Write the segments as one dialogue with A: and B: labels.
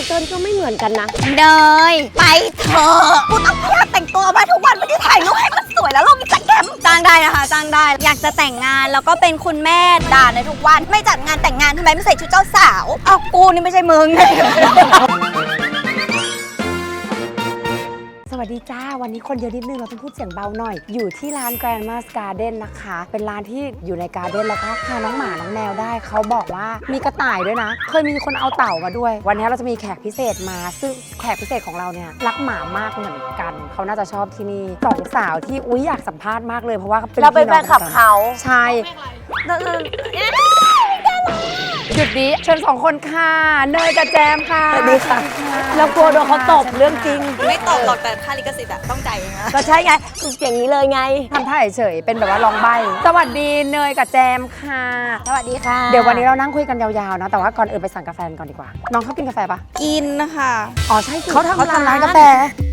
A: เติ้ลก็ไม่เหมือนกันนะ
B: เนยไปเถอะกูต้องพยายามแต่งตัวมาทุกวันไม่ได้ถ่ายรูปให้มันสวยแล้วลงอินสตาแกรมจ้างได้นะคะจ้างได้อยากจะแต่งงานแล้วก็เป็นคุณแม่ด่าในทุกวันไม่จัดงานแต่งงานทำไมไม่ใส่ชุดเจ้าสาวเอากูนี่ไม่ใช่มึง
A: สวัสดีจ้าวันนี้คนเยอะนิดนึงเราต้องพูดเสียงเบาหน่อยอยู่ที่ร้าน Grandma's Garden นะคะเป็นร้านที่อยู่ในการ์เด้นแล้วก็พาน้องหมาน้องแมวได้เขาบอกว่ามีกระต่ายด้วยนะเคยมีคนเอาเต่ามาด้วยวันนี้เราจะมีแขกพิเศษมาซึ่งแขกพิเศษของเราเนี่ยรักหมามากเหมือนกันเขาน่าจะชอบที่นี่สองสาวที่อุ๊ยอยากสัมภาษณ์มากเลยเพราะว่าเราเป็นแฟนคลับเขาใช่หยุดนี้เชิญสองคนค่ะเนยกับแจมค่ะสวัสดีค่ะแล้วกลัวโดนเขาตบเรื่องจริง
B: ไม่ตบหรอกแต่ค่าลิขสิทธิ์ต้องจ่ายเองนะ
A: ก็ใช่ไงอย่างนี้เลยไงทำท่าเฉยๆเป็นแบบว่าลองใบสวัสดีเนยกับแจมค่ะ
B: สวัสดีค่ะ
A: เดี๋ยววันนี้เรานั่งคุยกันยาวๆนะแต่ว่าก่อนอื่นไปสั่งกาแฟก่อนดีกว่าน้องเขากินกาแฟปะ
B: กินนะคะ
A: อ๋อใช่เขาทำร้านกาแฟ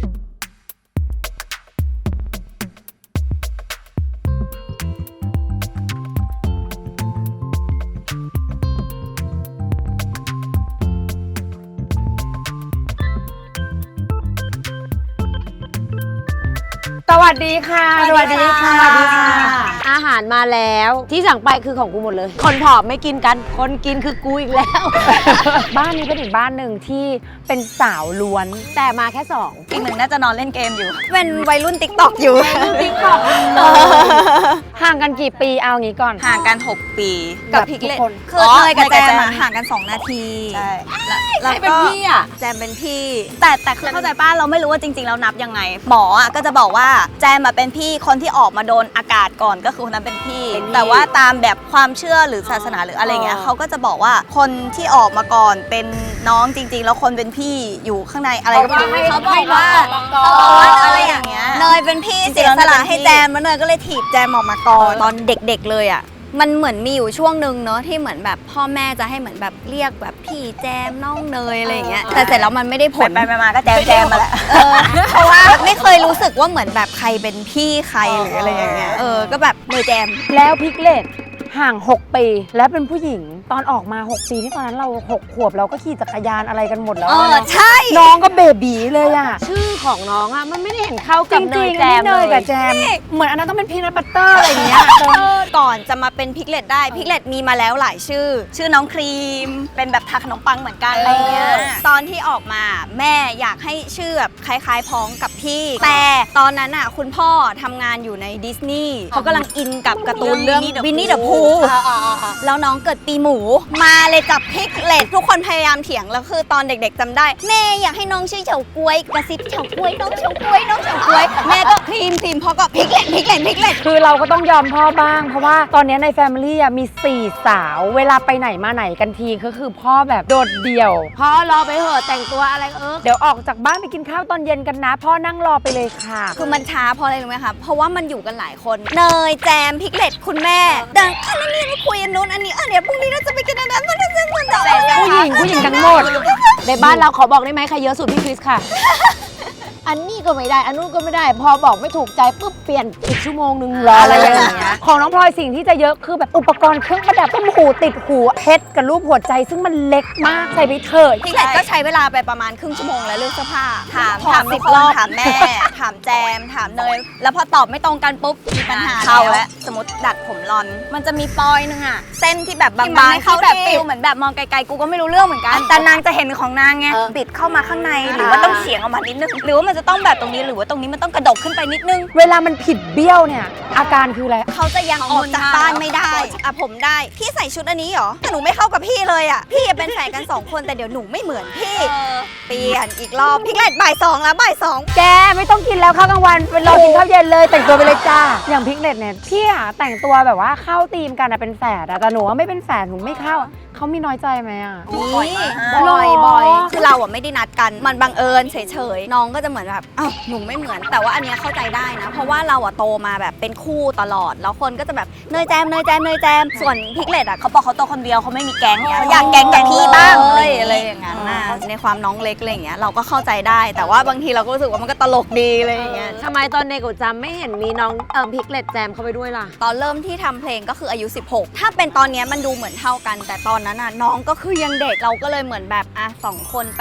A: สวัสดีค่ะ
B: สวัสดีค่ะ
A: อาหารมาแล้วที่สั่งไปคือของกูหมดเลยคนผอมไม่กินกันคนกินคือกูอีกแล้ว บ้านนี้เป็นอีกบ้านหนึ่งที่เป็นสาวล้วนแต่มาแค่2
B: อีกหนึ่งน่าจะนอนเล่นเกมอยู่เป็นวัยรุ่นติ๊กต็อกอยู่
A: ติ๊กต็อกห่างกันกี่ปีเอางี้ก่อน
B: ห่างกัน6 ปีกับพิกเล็ตคือเนยกับแจมห่างกัน2 นาทีใช่
A: แล้วเป็นพี่อ่ะ
B: แจมเป็นพี่แต่คือเข้าใจป้าเราไม่รู้ว่าจริงๆเรานับยังไงหมออ่ะก็จะบอกว่าแจมเป็นพี่คนที่ออกมาโดนอากาศก่อนก็คือคนนั้นเป็นพี่แต่ว่าตามแบบความเชื่อหรือศาสนาหรืออะไรเงี้ยเขาก็จะบอกว่าคนที่ออกมาก่อนเป็นน้องจริงๆแล้วคนเป็นพี่อยู่ข้างในอะไรก็ไม่รู้เขาบอกว่าอะไรอย่างเงี้ยเนยเป็นพี่เสียสละให้แจมแล้วเนยก็เลยถีบแจมออกมาก่อนตอนเด็กๆเลยอ่ะมันเหมือนมีอยู่ช่วงนึงเนาะที่เหมือนแบบพ่อแม่จะให้เหมือนแบบเรียกแบบพี่แจมน้องเนยอะไรอย่างเงี้ยแต่เสร็จแล้วมันไม่ได้ผล
A: ไปมาก็แจมมาแหละ
B: เพราะว่าไม่เคยรู้สึกว่าเหมือนแบบใครเป็นพี่ใครหรืออะไรอย่างเงี้ยก็แบบเนยแจม
A: แล้วพิกเลตห่าง6 ปีแล้วเป็นผู้หญิงตอนออกมา6 ปีที่ตอนนั้นเรา6 ขวบเราก็ขี่จักรยานอะไรกันหมดแล้ว
B: ใช่
A: น้องก็เบบีเลยอ่ะชื่อของน้องอ่ะมันไม่ได้เห็นเข้ากับเนยแจมเลยกับแจมเหมือนอันนั้นต้องเป็นพีนัทบัตเตอร์อะไรอย่างเงี้ย
B: ก่อนจะมาเป็นพิกเลตได้พิกเลตมีมาแล้วหลายชื่อน้องครีมเป็นแบบทาขนมปังเหมือนกันอะไรเงี้ยตอนที่ออกมาแม่อยากให้ชื่อแบบคล้ายๆพ้องกับพี่แต่ตอนนั้นอ่ะคุณพ่อทำงานอยู่ในดิสนีย์เขากำลังอินกับการ์ตูนเรื่องวินนี่เดอะพูแล้วน้องเกิดปีหมูมาเลยกับพิกเลตทุกคนพยายามเถียงแล้วคือตอนเด็กๆจำได้แม่อยากให้น้องชื่อเฉาก๊วยกระซิบเฉาก๊วยน้องเฉาก๊วยน้องเฉาก๊วยแม่ก็ครีมพ่อก็พิกเลต
A: คือเราก็ต้องยอมพ่อบ้างเพราะว่าตอนนี้ในแฟมิลี่มี4 สาวเวลาไปไหนมาไหนกันทีก็คือพ่อแบบโดดเดี่ยวพ่อรอไปเถอะแต่งตัวอะไรเดี๋ยวออกจากบ้านไปกินข้าวตอนเย็นกันนะพ่อนั่งรอไปเลยค่ะ
B: คือมันช้าเพราะอะไรรู้ไหมคะเพราะว่ามันอยู่กันหลายคนเนยแจมพิกเลตคุณแม่ดังอันนี้ไม่คุยอันนู้นอันนี้เดี๋ยวพรุ่งนี้เราจะไปกินอันนั้นมันจะเหมือน
A: ผู้หญิงทั้งหมดในบ้านเราขอบอกได้ไหมใครเยอะสุดพี่คริสค่ะอันนี้ก็ไม่ได้อันนู้นก็ไม่ได้พอบอกไม่ถูกใจปุ๊บเปลี่ยนอีกชั่วโมงนึงรออะไรอย่างเงี้ยของน้องพลอยสิ่งที่จะเยอะคือแบบอุปกรณ์เครื่องประดับต้มหูติดหูเพชรกับรูปหัวใจซึ่งมันเล็กมากใส่ไปเถิด
B: พี่เล็กก็ใช้เวลาไปประมาณครึ่งชั่วโมงแล้วเลือกเสื้อผ้าถาม10 รอบถามแม่ถามแจมถามเนยแล้วพอตอบไม่ตรงกันปุ๊บมีปัญหาเข้าแล้วสมมติดัดผมรอนมันจะมีปอยนึงอะเส้นที่แบบบางๆที่แบบฟิลเหมือนแบบมองไกลๆกูก็ไม่รู้เรื่องเหมือนกันแต่นางจะเห็นของนางไงบิดเข้ามาข้างในหรือว่าต้องเฉียงออกมานิดนึงหรือว่ามันจะต้องแบบตรงนี้หรือว่าตรงนี้มันต้องกระดกขึ้นไปนิดนึง
A: เวลามันผิดเบี้ยวเนี่ยอาการคืออะไร
B: เขาจะยังออกจากบ้านไม่ได้ผมได้พี่ใส่ชุดอันนี้เหรอแต่หนูไม่เข้ากับพี่เลยอ่ะพี่เป็นแฟนกัน2 คนแต่เดี๋ยวหนูไม่เหมือนพี่เปลี่ยนอีกรอบพิกเลตบ่าย 2แล้วบ่าย 2
A: แกไม่ต้องกินแล้วข้าวกลางวันไปรอกินข้าวเย็นเลยแต่งตัวไปเลยจ้าอย่างพิกเลตเนี่ยพี่อะแต่งตัวแบบว่าเข้าธีมกันอะเป็นแฝดแต่หนูว่าไม่เป็นแฝดหนูไม่เข้าเขามีน้อยใจไหมอ่ะ
B: บ่อยคือเราอะไม่ได้นัดกันมันบังเอิญเฉยๆน้องก็จะเหมือนแบบอ้าวหนูไม่เหมือนแต่ว่าอันเนี้ยเข้าใจได้นะเพราะว่าเราอะโตมาแบบเป็นคู่ตลอดแล้วคนก็จะแบบเนยแจมส่วนพิกเลตอะเขาบอกเขาโตคนเดียวเขาไม่มีแก๊งเขาอยากแก๊งกับพี่บ้างอะไรอย่างเงี้ยในความน้องเล็กอะไรอย่างเงี้ยเราก็เข้าใจได้แต่ว่าบางทีเราก็รู้สึกว่ามันก็ตลกดีอะไรอย่างเงี้ย
A: ทำไมตอนเด็กจำไม่เห็นมีน้องพิกเลตแจมเข้าไปด้วยล่ะ
B: ตอนเริ่มที่ทำเพลงก็คืออายุ16ถ้าเป็นตอนนี้มันดูเหมือนเท่ากันแต่ตอนนั้นน่ะน้องก็คือยังเด็กเราก็เลยเหมือนแบบ2 คนไป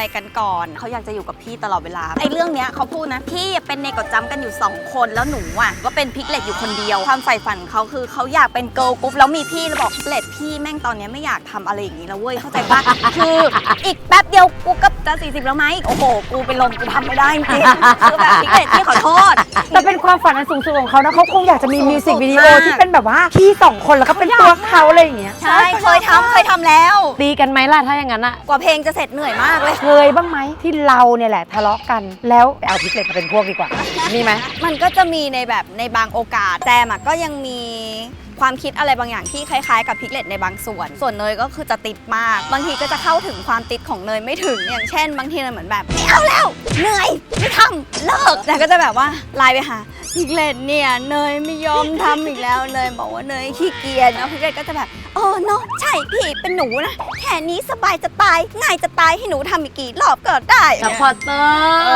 B: กันก่อนเขาอยากจะอยู่กับพี่ตลอดเวลาไอ้เรื่องเนี้ยเขาพูดนะพี่เป็นเนกดจำกันอยู่2คนแล้วหนูอ่ะก็เป็นพิกเลตอยู่คนเดียวความใฝ่ฝันเขาคือเขาอยากเป็นเกิร์ลกรุ๊ปแล้วมีพี่แล้วบอกพิกเลตพี่แม่งตอนเนี้ยไม่อยากทำอะไรอย่างนี้แล้วเว้ยเข้าใจปะ คืออีกแป๊บเดียวกูก็จะ40แล้วไหมโอ้โหกูเป็นลมกูทำไม่ได้จริงๆคือแบบพิกเลตพี่ขอโทษ
A: แต่เป็นความฝันอันสูงสุดของเขานะเขาคงอยากจะมีมิวสิกวิดีโอ
B: มาก
A: ที่เป็นแบบว่าพี่2คนแล้วก็เป็นตัวเขาอะไรอย่างเงี้ย
B: ใช่เคยทำแล้ว
C: ตีกันไหมล่ะถ้าอย่างนั้นอะ
B: กว่าเพลงจะเสร็จเหนื่อยมากเลย
A: เคยบ้างไหมที่เราเนี่ยแหละทะเลาะกันแล้วเอาพิกเลตมาเป็นพวกดีกว่ามีไหม
B: มันก็จะมีในแบบในบางโอกาสแจมอะก็ยังมีความคิดอะไรบางอย่างที่คล้ายๆกับพิกเลตในบางส่วนเนยก็คือจะติดมากบางทีก็จะเข้าถึงความติดของเนยไม่ถึงอย่างเช่น บางทีเนยเหมือนแบบไม่เอาแล้วเหนื่อยไม่ทำเลิกแต่ก็จะแบบว่าไลน์ไปหาพิกเลตเนี่ยเนยไม่ยอมทำอีกแล้วเนยบอกว่าเนยขี้เกียจแล้วพิกเลตก็จะแบบเนาะใช่พี่เป็นหนูนะแค่นี้สบายจะตายง่ายจะตายให้หนูทำอีกกี่รอบก็ได้
C: ซัพพอร์เตอร์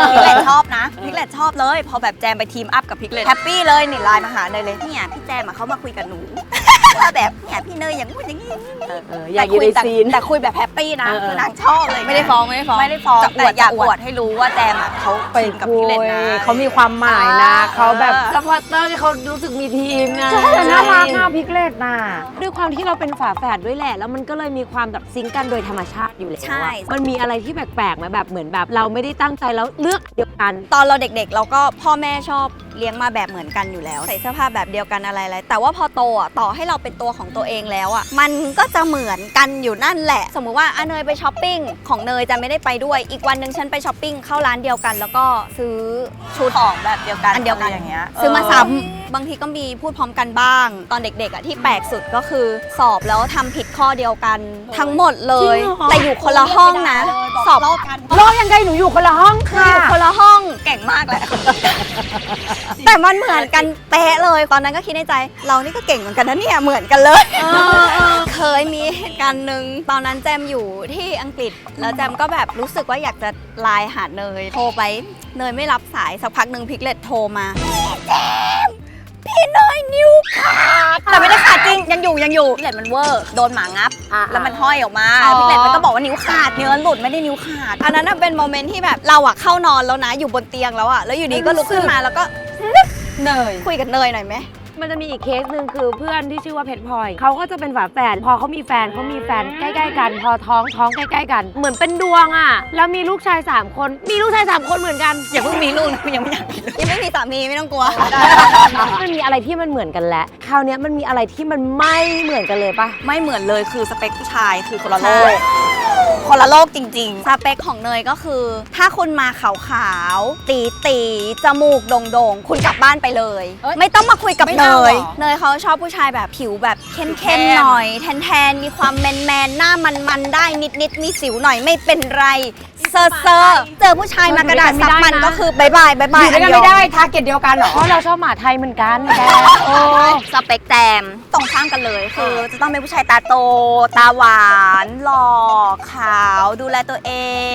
B: พิกเลตชอบนะพิกเลตชอบเลยพอแบบแจมไปทีมอัพกับพิกเลตแฮปปี้เลยนี่ไลน์มาหาเนยเลยเนี่ยพี่แจมเขามาคุยกับหนู แบบเนี่ยพี่เนยอย่างงู้นอย่างนี้
C: อยากอยู่ในซีน
B: แต่คุยแบบแฮปปี้นะ คือนางชอบเลย
C: ไม่ได้ฟ้องไม่ได้ฟ้อง
B: แต่อยากอวดให้รู้ว่าแจมเขา
A: ไป
B: ทีมกับพิกเลตนะ
A: เขามีความหมายนะเขาแบบ
C: ซัพพอร์เตอร์ที่เขารู้สึกมีทีมไง
A: แต่น่ารักมากพิกเลตน่ะ
C: ด้วยความที่เราเป็นฝาแฝดด้วยแหละ แล้วมันก็เลยมีความแบบซิงค์กันโดยธรรมชาติอยู่แล้ว
B: ใช่
C: อะมันมีอะไรที่แปลกๆไหมแบบเหมือนแบบเราไม่ได้ตั้งใจแล้วเลือกเดียวกัน
B: ตอนเราเด็กๆ เราก็พ่อแม่ชอบเลี้ยงมาแบบเหมือนกันอยู่แล้ว ใส่เสื้อผ้าแบบเดียวกันอะไรๆแต่ว่าพอโตอ่ะต่อให้เราเป็นตัวของตัวเองแล้วอ่ะมันก็จะเหมือนกันอยู่นั่นแหละ สมมุติว่าเนยไปช้อปปิ้งของเนยจะไม่ได้ไปด้วยอีกวันหนึ่งฉันไปช้อปปิ้งเข้าร้านเดียวกัน แล้วก็ซื้อชุดของแบบเดียวกันอันเดียวกันอย่างเงี้ยซื้อมาซ้ำบางทีก็มีพูดพร้อมกันบ้าง ตอนเด็กๆอ่ะที่แปลกสุดก็คือสอบแล้วทำผิดข้อเดียวกันทั้งหมดเลย
C: จริงเหรอ
B: แต่อยู่คนละห้องนะสอบกัน
A: รอยังไงหนูอยู่คนละห้อง
B: คือ
A: ค่ะ
B: อยู่คนละห้องเก่งมากแหละ แต่มันเหมือนกันเป๊ะเลย ตอนนั้นก็คิดในใจ เรานี่ก็เก่งเหมือนกันนะเนี่ย เหมือนกันเลย เคยมีเหตุการณ์หนึ่งตอนนั้นแจมอยู่ที่อังกฤษ แล้วแจมก็แบบรู้สึกว่าอยากจะไลน์หาเนย โทรไป เนยไม่รับสาย สักพักหนึ่งพิกเลตโทรมาแจมพี่เนยนิ้วขาด แต่ไม่ได้ขาดจริง ยังอยู่พิกเลตมันเวอร์ โดนหมางับ แล้วมันห้อยออกมาพิกเลตมันก็บอกว่านิ้วขาดเนื้อหลุดไม่ได้นิ้วขาด อันนั้นนะเป็นโมเมนต์ที่แบบเราอะเข้านอนแล้วนะอยู่บนเตียงแล้วอะแล้วอยู่ดีก็ลุกขึ้นมาแล้วก็
A: เนย
B: คุยกับเนยหน่อยไหม
C: มันจะมีอีกเคสหนึ่งคือเพื่อนที่ชื่อว่าเพชรพลอยเขาก็จะเป็นฝาแฝดพอเขามีแฟนใกล้ๆกัน พอท้องใกล้ๆกัน เหมือนเป็นดวงอ่ะแล้วมีลูกชาย3คนมีลูกชาย3คนเหมือนกัน
B: อย่าเพิ่งมีลูกนะยังไม่อยากมีลูกยังไม่มีสามีไม่ต้องกลัว
C: มันมีอะไรที่มันเหมือนกันแล้วคราวเนี้ยมันมีอะไรที่มันไม่เหมือนกันเลยปะ
B: ไม่เหมือนเลยคือสเปคผู้ชายคือคนละโลกคนละโลกจริงๆ สเปคของเนยก็คือ ถ้าคุณมาขาวๆตีจมูกโด่งๆ คุณกลับบ้านไปเลย ไม่ต้องมาคุยกับเนย เนยเขาชอบผู้ชายแบบผิวแบบเข้มๆหน่อยแทนๆมีความแมนๆหน้ามันๆได้นิดๆมีสิวหน่อยไม่เป็นไรเซอร์เจอผู้ชายมากระดาษซับมันก็คือบายบาย
A: อยู่ด้วยกันไม่ได้ทาร์เก็ตเดียวกันเหรอ
C: เพราะเราชอบหมาไทยเหมือนกันแก
B: สเปคแจมตรงข้ามกันเลยคือจะต้องเป็นผู้ชายตาโต ตาหวานหล่อขาวดูแลตัวเอง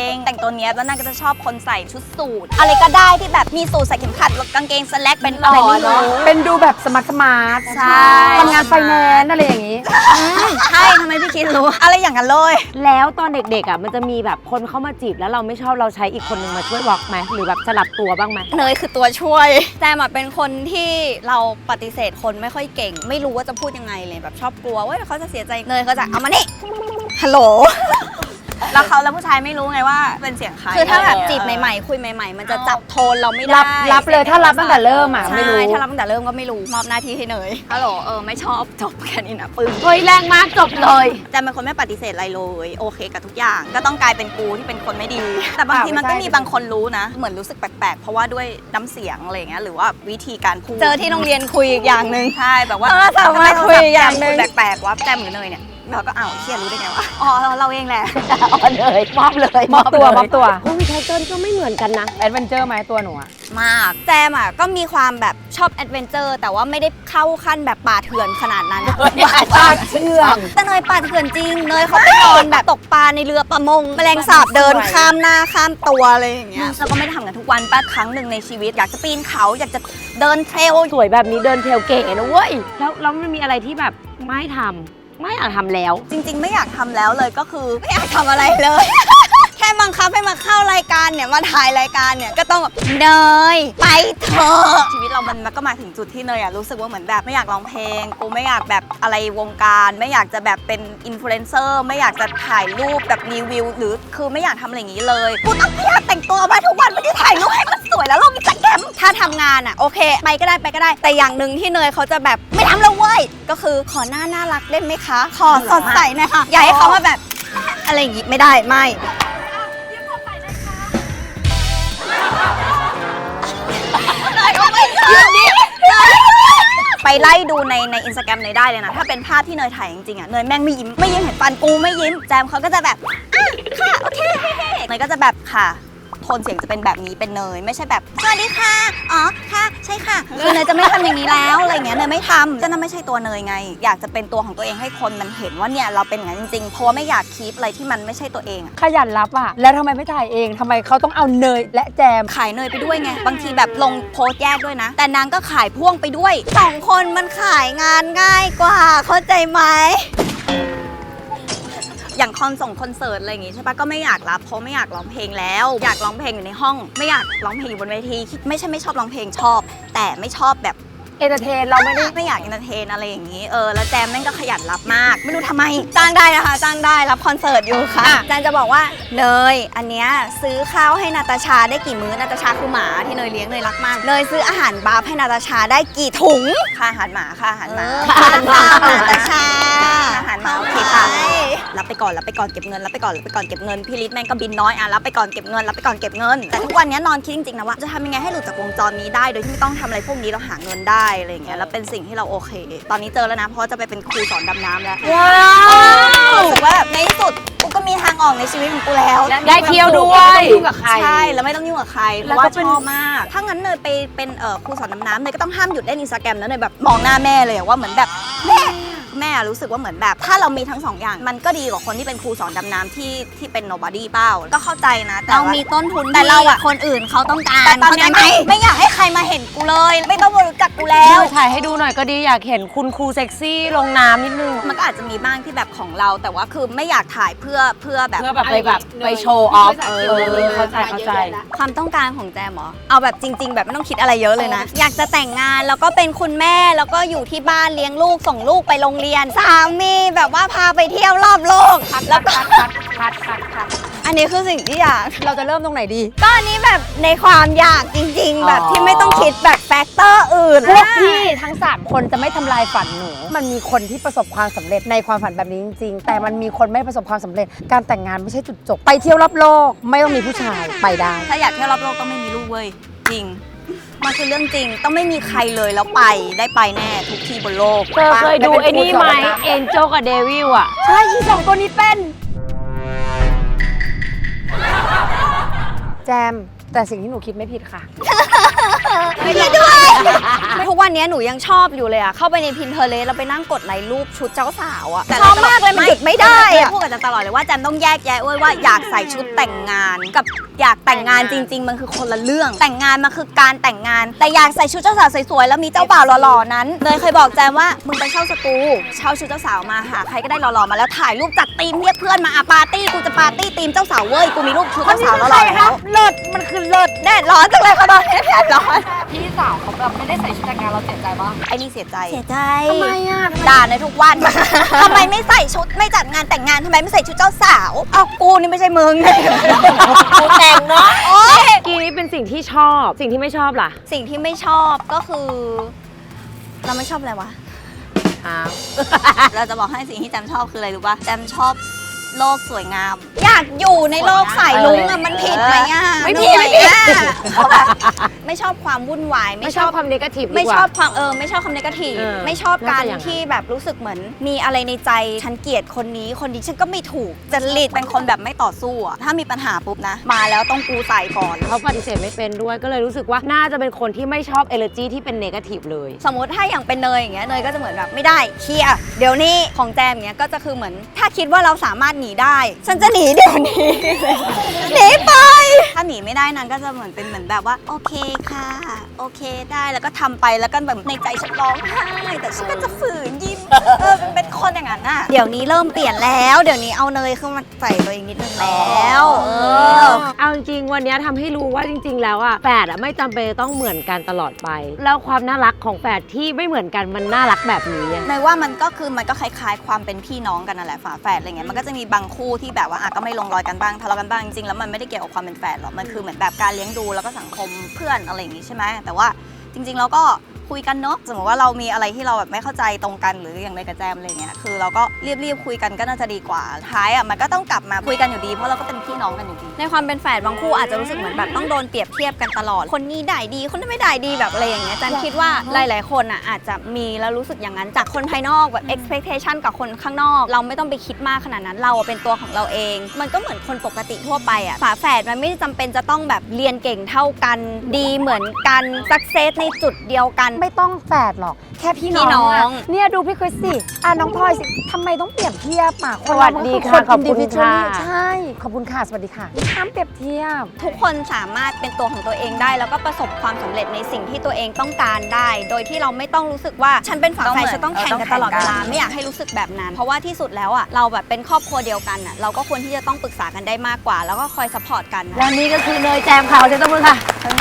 B: แต่งตัวเนี้ยแล้วนางก็จะชอบคนใส่ชุดสูทอะไรก็ได้ที่แบบมีสูทใส่เข็มขัดแล้วกางเกงสแลกเป็นอะไรไม่รู้
A: เป็นดูแบบสมาร์ท
B: ใช่
A: ทำงานไฟแนนซ์อะไรอย่างนี้
B: ใช่ทำไมพี่คิดรู้ อะไรอย่างนั้นเลย
C: แล้วตอนเด็กๆอ่ะมันจะมีแบบคนเข้ามาจีบแล้วเราไม่ชอบเราใช้อีกคนนึงมาช่วยวอล์กไหมหรือแบบสลับตัวบ้างไหม
B: เนยคือตัวช่วย แจมอะเป็นคนที่เราปฏิเสธคนไม่ค่อยเก่ง ไม่รู้ว่าจะพูดยังไงเลยแบบชอบกลัวว่าเขาจะเสียใจเนยเขาจะเอามานี่ฮัลโหล แล้วผู้ชายไม่รู้ไงว่าเป็นเสียงใครคือถ้าแบบจีบใหม่ๆคุยใหม่ๆมันจะจับโทนเราไม่ได้
A: รับเลยถ้ารับตั้งแต่เริ่มอ่ะไม่รู้
B: ใช่ถ้ารับตั้งแต่เริ่มก็ไม่รู้มอบหน้าที่ให้เนยฮัลโหลไม่ชอบจบแค่นี้นะปึ้ง
C: เฮ้ยแรงมากจบเลย
B: แต่เป็นคนไม่ปฏิเสธอะไรเลยโอเคกับทุกอย่างก็ต้องกลายเป็นกูที่เป็นคนไม่ดี แต่บางทีมันก็มีบางคนรู้นะ เหมือนรู้สึกแปลกๆเพราะว่าด้วยน้ำเสียงอะไรอย่างเงี้ยหรือว่าวิธีการพูดเจอที่โรงเรียนคุยอีกอย่างหนึ่งใช่แบบว่าสามารถคุยอีกอย่างหนึ่งแปลกๆว่าแจมหรือเนยเนี่ยเราก็เชี่ยรู้ได้ไงวะอ๋อเราเองแหละ
C: อ่อนเลยมอบเลย
A: มอบตัว
C: โอ้ยไทเกิลก็ไม่เหมือนกันนะ
A: แอดเวนเจอร์ไหมตัวหนูอะ
B: มากแจมอ่ะก็มีความแบบชอบแอดเวนเจอร์แต่ว่าไม่ได้เข้าขั้นแบบป่าเถื่อนขนาดนั้น
A: ปากเชื่อง
B: แต่เนยป่าเถื่อนจริงเนยเขาไปนอนแบบตกปลาในเรือประมงแมลงสาบเดินข้ามหน้าข้ามตัวอะไรอย่างเงี้ยเราก็ไม่ได้ทำกันทุกวันป้าครั้งหนึ่งในชีวิตอยากจะปีนเขาอยากจะเดินเทรล
C: สวยแบบนี้เดินเทรลเก๋นะเว้ยแล้วมันมีอะไรที่แบบไม่ทำไม่อยากทำแล้ว
B: จริงๆ ไม่อยากทำแล้วเลยก็คือไม่อยากทำอะไรเลยแค่บังคับให้มาเข้ารายการเนี่ยมาถ่ายรายการเนี่ยก็ต้องแบบเนยไปเถอะชีวิตเรามันก็มาถึงจุดที่เนยรู้สึกว่าเหมือนแบบไม่อยากร้องเพลงกูไม่อยากแบบอะไรวงการไม่อยากจะแบบเป็นอินฟลูเอนเซอร์ไม่อยากจะถ่ายรูปแบบรีวิวหรือคือไม่อยากทำอะไรอย่างนี้เลยกูต้องพยายามแต่งตัวมาทุกวันไม่ได้ถ่ายรูปให้มันสวยแล้วลงอินสตาแกรมถ้าทำงานโอเคไปก็ได้แต่อย่างหนึ่งที่เนยเขาจะแบบไม่ทำแล้วเว้ยก็คือขอหน้าน่ารักได้ไหมคะขอสดใสหนะคะอย่าให้เขามาแบบอะไรอย่างงี้ไม่ได้ไม่ไปไล่ดูในอินสตาแกรมเนยได้เลยนะถ้าเป็นภาพที่เนยถ่ายจริงๆเนยแม่งไม่ยิ้มเห็นฟันกูไม่ยิ้มแจมเขาก็จะแบบค่ะโอเคเนยก็จะแบบค่ะโทนเสียงจะเป็นแบบนี้เป็นเนยไม่ใช่แบบสวัสดีค่ะอ๋อค่ะใช่ค่ะคือเนยจะไม่ทำอย่างนี้แล้วอะไรเงี้ยเนยไม่ทำก็นั่นไม่ใช่ตัวเนยไงอยากจะเป็นตัวของตัวเองให้คนมันเห็นว่าเนี่ยเราเป็นอย่างนั้นจริงๆเพราะว่าไม่อยากคีปอะไรที่มันไม่ใช่ตัวเอง
A: ขยันรับอ่ะแล้วทำไมไม่ถ่ายเองทำไมเขาต้องเอาเนยและแจม
B: ขายเนยไปด้วยไงบางทีแบบลงโพสต์แยกด้วยนะแต่นางก็ขายพ่วงไปด้วย2คนมันขายงานง่ายกว่าเข้าใจไหมอย่างคอนเสิร์ตอะไรอย่างงี้ใช่ปะก็ไม่อยากรับเพราะไม่อยากร้องเพลงแล้วอยากร้องเพลงอยู่ในห้องไม่อยากร้องเพลงอยู่บนเวทีไม่ใช่ไม่ชอบร้องเพลงชอบ แต่ไม่ชอบแบบ
A: เอนเตอร์เทนเราไม่
B: อยากเอนเตอร์เทนอะไรอย่างงี้แล้วแจมแม่งก็ขยันรับมากไม่รู้ทำไมจ้างได้นะคะจ้างได้รับคอนเสิร์ตอยู่ค่ะแจมจะบอกว่าเนยอันเนี้ยซื้อข้าวให้นาตาชาได้กี่มื้อนาตาชาคือหมาที่เนยเลี้ยงเนยรักมากเนยซื้ออาหารบาร์ให้นาตาชาได้กี่ถุงค่าอาหารหมาค่าอาหารหมานาตาชาอาหารหมาโอเคค่ะรับไปก่อนเก็บเงินรับไปก่อนเก็บเงินพี่ลิศแม่งก็บินน้อยรับไปก่อนเก็บเงินแต่ทุกวันนี้นอนคิดจริงๆนะว่าจะทำยังไงให้หลุดจากวงจรนี้ได้โดยที่ไม่ต้องทำอะไรพวกนี้เราหาเงินได้อะไรอย่างเงี้ยแล้วเป็นสิ่งที่เราโอเคตอนนี้เจอแล้วนะเพราะจะไปเป็นครูสอนดำน้ำแล้วว้าวรู้สึกว่าแบบในที่สุดกูก็มีทางออกในชีวิตของกูแล้ว
C: ได้เที่ยวด้วย
A: ไม่ต้องยุ่งกับใคร
B: ใช่แล้วไม่ต้องยุ่งกับใครเพราะว่าชอบมากถ้างั้นเนยไปเป็นครูสอนดำน้ำเนยก็ต้องห้ามหยุดเล่นอินสตาแกรมนะเนยแบบมองหน้าแม่เลยว่าเหมือนแบบแม่รู้สึกว่าเหมือนแบบถ้าเรามีทั้ง2 อย่างมันก็ดีกว่าคนที่เป็นครูสอนดำน้ำที่เป็น nobody เป้าก็เข้าใจนะแต่เรามีต้นทุนแต่เราคนอื่นเขาต้องการแต่ตอนนี้ไม่อยากให้ใครมาเห็นกูเลยไม่ต้องมารู้จักกูแล้ว
C: ถ่ายให้ดูหน่อยก็ดีอยากเห็นคุณครูเซ็กซี่ลงน้ำนิดนึง
B: มันก็อาจจะมีบ้างที่แบบของเราแต่ว่าคือไม่อยากถ่ายเพื่อแบบ
C: ไปโชว์ออฟเข้าใจ
B: ความต้องการของแจมเหรอเอาแบบจริงๆแบบไม่ต้องคิดอะไรเยอะเลยนะอยากจะแต่งงานแล้วก็เป็นคุณแม่แล้วก็อยู่ที่บ้านเลี้ยงลูกส่งลูกไปโรงเรียนสามีแบบว่าพาไปเที่ยวรอบโลกแล้วก็อันนี้คือสิ่งที่อยาก
A: เราจะเริ่มตรงไหนดี
B: ก็อันนี้แบบในความอยากจริงๆแบบที่ไม่ต้องคิดแบบแฟกเตอร์อื่น
A: พวกพี่ทั้ง3คนจะไม่ทำลายฝันหนูมันมีคนที่ประสบความสำเร็จในความฝันแบบนี้จริงๆแต่มันมีคนไม่ประสบความสำเร็จการแต่งงานไม่ใช่จุดจบไปเที่ยวรอบโลกไม่ต้องมีผู้ชายไปได้
B: ถ้าอยากเที่ยวรอบโลกต้องไม่มีลูกเว้ยจริงมันคือเรื่องจริงต้องไม่มีใครเลยแล้วไปได้ไปแน่ทุกที่บนโลก
C: เคยดูไอ้นี่ไหมเอ็นโจกับเดวิล
A: ใช่อี2ตัวนี้เป็นแจมแต่สิ่งที่หนูคิดไม่ผิดค่ะ
B: ไม่ผิดด้วยทุกวันนี้หนูยังชอบอยู่เลยเข้าไปใน Pinterest แล้วไปนั่งกดไลค์รูปชุดเจ้าสาวชอบมากเลยมันหยุดไม่ได้พูดกับแจมตลอดเลยว่าแจมต้องแยกแยะว่าอยากใส่ชุดแต่งงานกับอยากแต่งงานจริงๆมันคือคนละเรื่องแต่งงานมันคือการแต่งงานแต่อยากใส่ชุดเจ้าสาวสวยๆแล้วมีเจ้าบ่าวหล่อๆนั้นเลยเคยบอกแจมว่ามึงไปเช่าสตูเช่าชุดเจ้าสาวมาหาใครก็ได้หล่อๆมาแล้วถ่ายรูปจัดธีมเรียกเพื่อนมาปาร์ตี้กูจะปาร์ตี้ธีมเจ้าสาวเว้ยกูมีรูปชุดเจ้าสาวหล่อๆแล้ว
A: เลิศมันคือเลิศ
B: แดดร้อนจังเลยค่ะตอนนี้แดดร้อน
A: พี่สาวเขาแบบไม่ได้ใส่ชุดแต่งงานเราเสียใจปะ
B: ไอ้นี่เสียใจ
A: ทำไม
B: ด่าในทุกวันทำไมไม่ใส่ชุดไม่จัดงานแต่งงานทำไมไม่ใส่ชุดเจ้าสาวกูนี่ไม่ใช่มึง
C: กูแต่งเนาะกีนี้เป็นสิ่งที่ชอบสิ่งที่ไม่ชอบล่ะ
B: สิ่งที่ไม่ชอบก็คือเราไม่ชอบอะไรวะเราจะบอกให้สิ่งที่แจมชอบคืออะไรรู้ป่ะแจมชอบโลกสวยงามอยากอยู่ในโลกสายลุ้งมันผิดไหม
C: ไม่ผิด
B: ไม่ชอบความวุ่นวาย
C: ไม่ชอบความเนกาทีฟ
B: ไม่ชอบความไม่ชอบความเนกาทีฟไม่ชอบการที่แบบรู้สึกเหมือนมีอะไรในใจฉันเกลียดคนนี้ฉันก็ไม่ถูกจริตเป็นคนแบบไม่ต่อสู้ถ้ามีปัญหาปุ๊บนะมาแล้วต้องกูใส่ก่อน
C: เขาปฏิเสธไม่เป็นด้วยก็เลยรู้สึกว่าน่าจะเป็นคนที่ไม่ชอบเอเนอร์จีที่เป็นเนกาทีฟเลย
B: สมมติถ้าอย่างเป็นเนยอย่างเงี้ยเนยก็จะเหมือนแบบไม่ได้เคลียร์เดี๋ยวนี้ของแจมอย่างเงี้ยก็จะคือเหมือนถ้าคิดว่าเราสามารถหนีได้ฉันจะหนีเดี๋ยวนี้หนีไปถ้าหนีไม่ได้นางก็จะเหมือนแบบว่าโอเคค่ะโอเคได้แล้วก็ทำไปแล้วก็แบบในใจฉันร้องไห้แต่ฉันก็จะฝืนยิ้มเป็นคนอย่างนั้นน่ะเดี๋ยวนี้เริ่มเปลี่ยนแล้วเดี๋ยวนี้เอาเนยเข้ามาใส่ตัวเองนิดนึงแล้ว
C: เอาจริงๆวันนี้ทำให้รู้ว่าจริงๆแล้วอะแฝดอะไม่จำเป็นต้องเหมือนกันตลอดไปแล้วความน่ารักของแฝดที่ไม่เหมือนกันมันน่ารักแบบนี้
B: เนยว่ามันก็คล้ายๆความเป็นพี่น้องกันนั่นแหละฝาแฝดอะไรเงี้ยมันก็จะมีบางคู่ที่แบบว่าก็ไม่ลงรอยกันบ้างทะเลาะกันบ้างจริงๆแล้วมันไม่ได้เกี่ยวกับความเป็นแฝดหรอกมันคือเหมือนแบบการเลี้ยงดูแล้วก็สังคมเพื่อนอะไรอย่างงี้ใช่ไหมแต่ว่าจริงๆเราก็คุยกันเนาะสมมติว่าเรามีอะไรที่เราแบบไม่เข้าใจตรงกันหรืออย่างในกระแจมอะไรเงี้ยคือเราก็รีบคุยกันก็น่าจะดีกว่าท้ายมันก็ต้องกลับมาคุยกันอยู่ดีเพราะเราก็เป็นพี่น้องกันอยู่ดีในความเป็นแฝดบางคู่อาจจะรู้สึกเหมือนแบบต้องโดนเปรียบเทียบกันตลอดคนนี้ได้ดีคนนั้นไม่ได้ดีแบบอะไรอย่างเงี้ยแจมคิดว่าหลายๆคนอาจจะมีแล้วรู้สึกอย่างนั้นจากคนภายนอกแบบ expectation กับคนข้างนอกเราไม่ต้องไปคิดมากขนาดนั้นเราเป็นตัวของเราเองมันก็เหมือนคนปกติทั่วไปฝาแฝดมันไม่จำเป็นจะต้องแบบเรียนเก่งเท่ากันดีเหมือนกันสักเซสในจุดเดียวกัน
A: ไม่ต้องแฝดหรอกแค่พี่น้องเนี่ยดูพี่คริสสิน้องพลอยสิทำไมต้องเปรียบเทียบ
C: สวัสดีค่ะขอบคุณค่ะ
A: ใช่ขอบคุณค่ะสวัสดีค่ะห้ามเปรียบเทียบ
B: ทุกคนสามารถเป็นตัวของตัวเองได้แล้วก็ประสบความสำเร็จในสิ่งที่ตัวเองต้องการได้โดยที่เราไม่ต้องรู้สึกว่าฉันเป็นฝาแฝดฉันต้องแข่งกันตลอดเวลาไม่อยากให้รู้สึกแบบนั้นเพราะว่าที่สุดแล้วเราแบบเป็นครอบครัวเดียวกันเราก็ควรที่จะต้องปรึกษากันได้มากกว่าแล้วก็คอยซัพพอร์ตกัน
C: และนี่ก็คือเนยแจมข่าวเจ้ามือค่ะ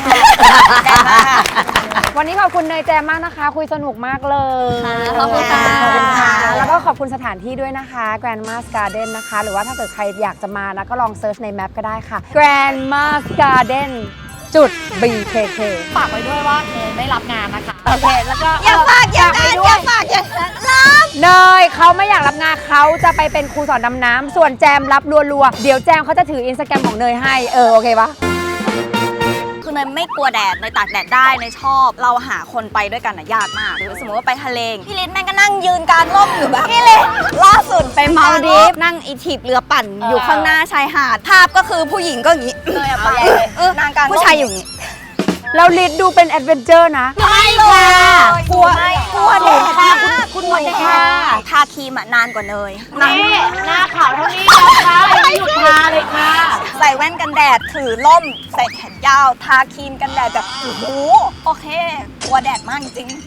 A: วันนี้ขอบคุณเนยแจมมากนะคะคุยสนุกมากเลย
B: ขอบคุณค่ะ
A: แล้วก็ขอบคุณสถานที่ด้วยนะคะ Grandma's Garden นะคะหรือว่าถ้าเกิดใครอยากจะมานะก็ลองเซิร์ชในแมปก็ได้ค่ะ Grandma's Garden BKK
C: ฝากไว้ด้วยว่าเนยไม่รับงานนะคะโอเคแล้วก็
B: อย่าฝากอย่างนั้นรับ
A: เนยเขาไม่อยากรับงานเขาจะไปเป็นครูสอนดำน้ำส่วนแจมรับรัวๆเดี๋ยวแจมเขาจะถือ Instagram ของเนยให้โอเคปะ
B: คือเนยไม่กลัวแดดเนยตากแดดได้เนยชอบเราหาคนไปด้วยกันยากมากหรือสมมติว่าไปทะเลพี่ลิศแม่งก็นั่งยืนกลางร่มอยู่แบบพี่ลิศล่าสุดไปมาลดีฟนั่งถีบเรือปั่นอยู่ข้างหน้าชายหาดภาพก็คือผู้หญิงก็อย่างนี้เลยไปนางการผู้ชายอยู่อย่างนี้
A: แล้วลิศดูเป็นแอดเวนเจอร์นะ
B: ไม่ค่ะกลัวแดดค่ะคุณ
C: กลัวแดด
B: ทาครีมนานกว่าเนย
C: นี่หน้าขาวเท่านี้นะคะไม่หยุดทาเลยค่ะ
B: ใส่แว่นกันแดดถือล่มใส่แขนยาวทาครีมกันแดดแบบโอ้โหโอเคกลัวแดดมากจริง